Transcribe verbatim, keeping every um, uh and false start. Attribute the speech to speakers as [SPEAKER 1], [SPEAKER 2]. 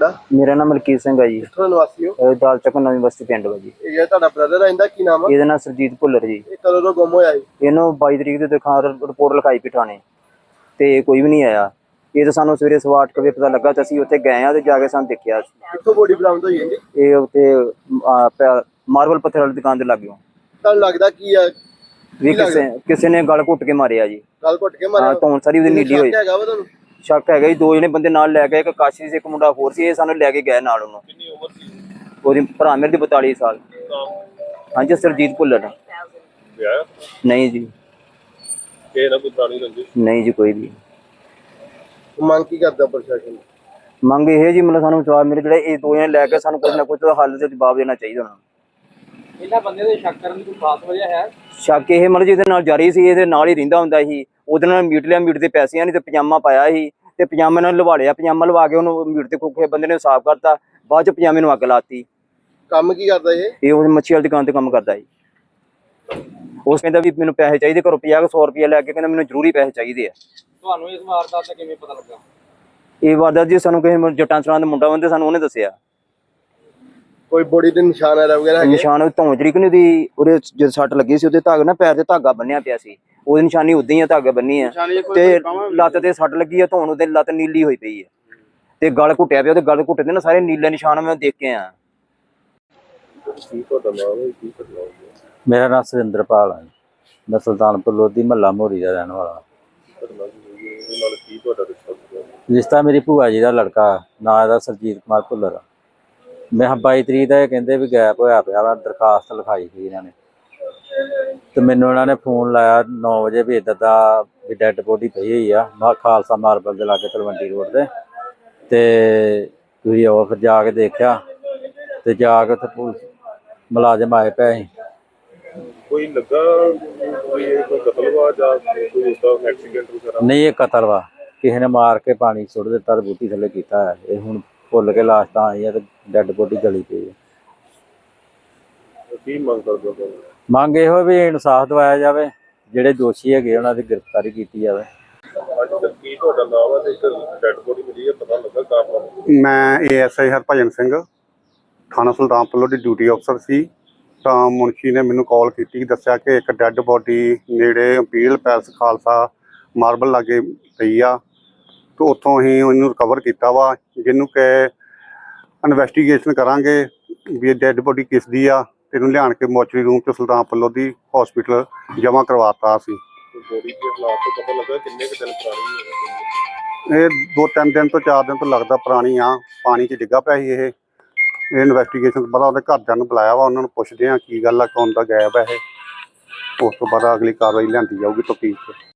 [SPEAKER 1] ਤੁਹਾਡਾ?
[SPEAKER 2] ਮੇਰਾ ਨਾਮ ਮਲਕੀਤ ਸਿੰਘ ਹੈ ਜੀ।
[SPEAKER 1] ਕਿੱਥੋਂ ਨਿਵਾਸੀ ਹੋ?
[SPEAKER 2] ਦਾਲ ਚੱਕ ਨਵੀਂ ਬਸਤੀ ਪਿੰਡ ਵਾ ਜੀ।
[SPEAKER 1] ਇਹ ਜਿਹੜਾ ਤੁਹਾਡਾ ਬ੍ਰਦਰ ਹੈ ਇਹਦਾ ਕੀ ਨਾਮ ਆ?
[SPEAKER 2] ਇਹਦਾ ਨਾਮ ਸਰਜੀਤ ਭੁੱਲਰ ਜੀ।
[SPEAKER 1] ਇਹ ਕਦੋਂ ਤੋਂ ਗੁੰਮ ਹੋਇਆ ਜੀ?
[SPEAKER 2] ਇਹਨੂੰ ਬਾਈ ਤਰੀਕ ਦੇ ਦਿਖਾ ਰਿਪੋਰਟ ਲਿਖਾਈ ਪਈ ਥਾਣੇ ਤੇ ਕੋਈ ਵੀ ਨਹੀਂ ਆਇਆ। ਇਹ ਤਾਂ ਸਾਨੂੰ ਸਵੇਰੇ ਸਵਾ ਅੱਠ ਵਜੇ ਪਤਾ ਲੱਗਾ ਤੇ ਅਸੀਂ ਉੱਥੇ ਗਏ ਆ ਤੇ ਜਾ ਕੇ ਸਾਨੂੰ ਦੇਖਿਆ।
[SPEAKER 1] ਕਿੱਥੋਂ ਬੋਡੀ ਬਰਾਮਦ ਹੋਈ ਹੈ ਜੀ?
[SPEAKER 2] ਇਹ ਉੱਥੇ ਮਾਰਬਲ ਪੱਥਰ ਵਾਲੀ ਦੁਕਾਨ ਤੇ ਲੱਗਿਓ।
[SPEAKER 1] ਤੁਹਾਨੂੰ ਲੱਗਦਾ ਕੀ ਆ
[SPEAKER 2] ਵੀ ਕਿਸੇ ਕਿਸੇ ਨੇ ਗਲ ਘੁੱਟ ਕੇ ਮਾਰਿਆ ਜੀ।
[SPEAKER 1] ਗਲ ਘੁੱਟ ਕੇ ਮਾਰਿਆ?
[SPEAKER 2] ਹਾਂ, ਧੌਣ ਸਾਰੀ ਉਹਦੀ ਨੀਲੀ ਹੋਈ।
[SPEAKER 1] ਹੈਗਾ ਵਾ ਤੁਹਾਨੂੰ
[SPEAKER 2] ਸ਼ੱਕ ਹੈਗਾ ਜੀ। ਦੋ ਜਣੇ ਬੰਦੇ ਨਾਲ ਲੈ ਗਏ, ਇੱਕ ਕਾਸ਼ੀ ਸੀ, ਇੱਕ ਮੁੰਡਾ ਹੋਰ ਸੀ। ਇਹ ਸਾਨੂੰ ਲੈ ਕੇ ਗਏ ਨਾਲ। ਉਹਨੂੰ
[SPEAKER 1] ਕਿੰਨੀ ਉਮਰ ਸੀ
[SPEAKER 2] ਉਹਦੀ? ਭਰਾ ਮੇਰੇ ਦੀ ਬਤਾਲੀ ਸਾਲ। ਹਾਂਜੀ, ਸਰਜੀਤ ਭੁੱਲਰ।
[SPEAKER 1] ਵਿਆਹ
[SPEAKER 2] ਨਹੀਂ ਜੀ।
[SPEAKER 1] ਇਹ ਨਾ ਕੋਈ ਪੁਰਾਣੀ ਰੰਜਿਸ਼?
[SPEAKER 2] ਨਹੀਂ ਜੀ, ਕੋਈ ਵੀ।
[SPEAKER 1] ਮੰਗ ਕੀ ਕਰਦਾ ਪ੍ਰਸ਼ਾਸਨ?
[SPEAKER 2] ਮੰਗ ਇਹ ਜੀ, ਮਤਲਬ ਸਾਨੂੰ ਜਵਾਬ ਮੇਰੇ ਜਿਹੜੇ ਇਹ ਦੋ ਜਣੇ ਲੈ ਕੇ ਸਾਨੂੰ ਕੁਝ ਨਾ ਕੁਝ ਹੱਲ ਤੇ ਜਵਾਬ ਦੇਣਾ ਚਾਹੀਦਾ ਉਹਨਾਂ ਨੂੰ।
[SPEAKER 3] ਇਹਨਾਂ ਬੰਦੇ ਦੇ ਸ਼ੱਕ ਕਰਨ ਦੀ ਕੋਈ ਖਾਸ ਵਜ੍ਹਾ ਹੈ?
[SPEAKER 2] ਸ਼ੱਕ ਇਹ ਮਤਲਬ ਜਿਹਦੇ ਨਾਲ ਜਾਰੀ ਸੀ, ਇਹਦੇ ਨਾਲ ਹੀ ਰਹਿੰਦਾ ਹੁੰਦਾ ਸੀ। ਉਹਦੇ ਨਾਲ ਮੀਟ ਲਿਆ, ਮੀਟ ਦੇ ਪੈਸੇ ਨਹੀਂ ਤੇ ਪਜਾਮਾ ਪਾਇਆ ਸੀ ਤੇ ਪਜਾਮੇ ਨਾਲ ਲਵਾ ਲਿਆ। ਪਜਾਮਾ ਲਵਾ ਕੇ ਉਹਨੂੰ ਮੀਟ ਤੇ ਕੋਕੇ ਬੰਦੇ ਨੇ ਸਾਫ਼ ਕਰਤਾ। ਬਾਅਦ ਚ ਪਜਾਮੇ ਨੂੰ ਅੱਗ ਲਾਤੀ।
[SPEAKER 1] ਕੰਮ ਕੀ ਕਰਦਾ ਇਹ?
[SPEAKER 2] ਇਹ ਉਹ ਮੱਛੀ ਵਾਲੀ ਦੁਕਾਨ ਤੇ ਕੰਮ ਕਰਦਾ ਸੀ। ਉਸ ਕਹਿੰਦਾ ਵੀ ਮੈਨੂੰ ਪੈਸੇ ਚਾਹੀਦੇ, ਘਰੋਂ ਪੰਜਾਹ ਸੌ ਰੁਪਇਆ ਲੈ ਕੇ ਕਹਿੰਦਾ ਮੈਨੂੰ ਜ਼ਰੂਰੀ ਪੈਸੇ ਚਾਹੀਦੇ ਆ।
[SPEAKER 3] ਤੁਹਾਨੂੰ ਇਸ ਵਾਰਦਾਤ ਦਾ ਕਿਵੇਂ ਪਤਾ ਲੱਗਾ?
[SPEAKER 2] ਇਹ ਵਾਰਦਾਤ ਜੀ ਸਾਨੂੰ ਕਿਸੇ ਜੱਟਾਂ ਸਰਾਂ ਦਾ ਮੁੰਡਾ ਬੰਦੇ ਸਾਨੂੰ ਉਹਨੇ ਦੱਸਿਆ।
[SPEAKER 1] ਕੋਈ ਬੋਡੀ ਦੇ ਨਿਸ਼ਾਨ ਆ ਵਗੈਰਾ ਹੈਗੇ?
[SPEAKER 2] ਨਿਸ਼ਾਨ ਧੌਣ ਜਿਹੜੀ ਕਿ ਉਹਦੀ ਉਹਦੇ ਜਦ ਸੱਟ ਲੱਗੀ ਸੀ ਉਹਦੇ ਧਾਗੇ ਨਾ ਪੈਰ ਤੇ ਧਾਗਾ ਬੰਨਿਆ ਪਿਆ ਸੀ। ਉਹਦੀ ਨਿਸ਼ਾਨੀ ਉਦਾਂ ਹੀ ਆ, ਧਾਗਾ ਬੰਨੀ ਆ ਤੇ ਲੱਤ ਤੇ ਸੱਟ ਲੱਗੀ ਆ। ਧੌਣ ਉਹਦੇ ਲੱਤ ਨੀਲੀ ਹੋਈ ਪਈ ਹੈ ਤੇ ਗਲ ਘੁੱਟਿਆ ਪਿਆ। ਉਹਦੇ ਗਲ ਘੁੱਟੇ ਦੇ ਨਾ ਸਾਰੇ ਨੀਲੇ ਨਿਸ਼ਾਨ ਮੈਂ ਦੇਖ ਕੇ ਆ।
[SPEAKER 4] ਮੇਰਾ ਨਾਮ ਸੁਰਿੰਦਰਪਾਲ ਹੈ। ਮੈਂ ਸੁਲਤਾਨਪੁਰ ਲੋਧੀ ਮਹੱਲਾ ਮੋਰੀ ਦਾ ਰਹਿਣ ਵਾਲਾ। ਰਿਸ਼ਤਾ ਮੇਰੀ ਭੂਆ ਜੀ ਦਾ ਲੜਕਾ, ਨਾਂ ਇਹਦਾ ਸਰਜੀਤ ਕੁਮਾਰ ਭੁੱਲਰ। ਮੈਂ ਬਾਈ ਤਰੀਕ ਦਾ ਇਹ ਕਹਿੰਦੇ ਵੀ ਗੈਪ ਹੋਇਆ ਪਿਆ ਵਾ। ਦਰਖਾਸਤ ਲਿਖਾਈ ਸੀ ਇਹਨਾਂ ਨੇ ਤੇ ਮੈਨੂੰ ਇਹਨਾਂ ਨੇ ਫੋਨ ਲਾਇਆ ਨੌ ਵਜੇ ਵੀ ਇੱਦਾਂ ਦਾ ਵੀ ਡੈਡ ਬੋਡੀ ਪਈ ਹੋਈ ਆ ਮਾ ਖਾਲਸਾ ਮਾਰਬਲ ਦੇ ਲਾਗੇ ਤਲਵੰਡੀ ਰੋਡ ਤੇ ਤੇ ਤੁਸੀਂ ਆਓ। ਫਿਰ ਜਾ ਕੇ ਦੇਖਿਆ ਤੇ ਜਾ ਕੇ ਉੱਥੇ ਪੁਲਿਸ ਮੁਲਾਜ਼ਮ ਆਏ ਪਏ ਸੀ।
[SPEAKER 1] ਕੋਈ ਲੱਗਾ ਕੋਈ ਕੋਈ ਕਤਲ ਵਾ ਜਾਂ ਕੋਈ ਉਸਦਾ ਐਕਸੀਡੈਂਟ ਵਗੈਰਾ?
[SPEAKER 4] ਨਹੀਂ, ਇਹ ਕਤਲ ਵਾ। ਕਿਸੇ ਨੇ ਮਾਰ ਕੇ ਪਾਣੀ ਸੁੱਟ ਦਿੱਤਾ ਤੇ ਬੂਟੀ ਥੱਲੇ ਕੀਤਾ ਹੈ। ਇਹ ਹੁਣ ਭੁੱਲ ਕੇ ਲਾਸ਼ ਤਾਂ ਆਈ ਹੈ ਤੇ ਡੈਡ ਬੋਡੀ ਗਲੀ ਪਈ ਹੈ।
[SPEAKER 1] ਕੀ ਮੰਗ ਕਰਦੇ ਹੋ?
[SPEAKER 4] ਮੰਗ ਇਹੋ ਵੀ ਇਨਸਾਫ ਦਿਵਾਇਆ ਜਾਵੇ, ਜਿਹੜੇ ਦੋਸ਼ੀ ਹੈਗੇ ਉਹਨਾਂ ਦੀ ਗ੍ਰਿਫਤਾਰੀ ਕੀਤੀ ਜਾਵੇ।
[SPEAKER 1] ਅੱਜ ਤੱਕ ਕੀ ਤੁਹਾਡਾ ਨਾਮ ਹੈ ਤੇ ਇੱਕ ਡੈਡ ਬੋਡੀ ਮਿਲੀ ਹੈ, ਪਤਾ ਲੱਗਾ ਕਾਰਨ?
[SPEAKER 5] ਮੈਂ ਏਐਸਆਈ ਹਰਭਜਨ ਸਿੰਘ, ਥਾਣਾ ਸੁਲਤਾਨਪੁਰ ਲੋਧੀ ਡਿਊਟੀ ਅਫਸਰ ਸੀ। ਤਾਂ ਮੁਨਸ਼ੀ ਨੇ ਮੈਨੂੰ ਕਾਲ ਕੀਤੀ, ਦੱਸਿਆ ਕਿ ਇੱਕ ਡੈੱਡ ਬੋਡੀ ਨੇੜੇ ਇੰਪੀਰੀਅਲ ਪੈਲਸ ਖਾਲਸਾ ਮਾਰਬਲ ਲਾਗੇ ਪਈ ਆ ਤੇ ਉੱਥੋਂ ਅਸੀਂ ਉਹਨੂੰ ਰਿਕਵਰ ਕੀਤਾ ਵਾ, ਜਿਹਨੂੰ ਕਿ ਇਨਵੈਸਟੀਗੇਸ਼ਨ ਕਰਾਂਗੇ ਵੀ ਇਹ ਡੈੱਡ ਬੋਡੀ ਕਿਸ ਦੀ ਆ ਤੇ ਇਹਨੂੰ ਲਿਆਣ ਕੇ ਮੋਚਰੀ ਰੂਮ 'ਚ ਸੁਲਤਾਨਪੁਰ ਲੋਧੀ ਹਸਪੀਟਲ ਜਮ੍ਹਾਂ ਕਰਵਾਤਾ ਸੀ।
[SPEAKER 1] ਬੋਡੀ ਦੇ ਹਾਲਾਤ ਤੋਂ ਪਤਾ ਲੱਗਾ ਕਿੰਨੇ ਕੁ ਦਿਨ ਪੁਰਾਣੀ ਹੈ?
[SPEAKER 5] ਇਹ ਦੋ ਤਿੰਨ ਦਿਨ ਤੋਂ ਚਾਰ ਦਿਨ ਤੋਂ ਲੱਗਦਾ ਪੁਰਾਣੀ ਆ। ਪਾਣੀ 'ਚ ਡਿੱਗਾ ਪਿਆ ਸੀ ਇਹ। ਇਹ ਇਨਵੈਸਟੀਗੇਸ਼ਨ ਤੋਂ ਬਾਅਦ ਉਹਦੇ ਘਰਦਿਆਂ ਨੂੰ ਬੁਲਾਇਆ ਵਾ, ਉਹਨਾਂ ਨੂੰ ਪੁੱਛਦੇ ਆ ਕੀ ਗੱਲ ਆ, ਕੌਣ ਦਾ ਗਾਇਬ ਹੈ ਇਹ। ਉਸ ਤੋਂ ਬਾਅਦ ਅਗਲੀ ਕਾਰਵਾਈ ਲਿਆਂਦੀ ਜਾਊਗੀ ਤਫਤੀਸ਼ 'ਚ।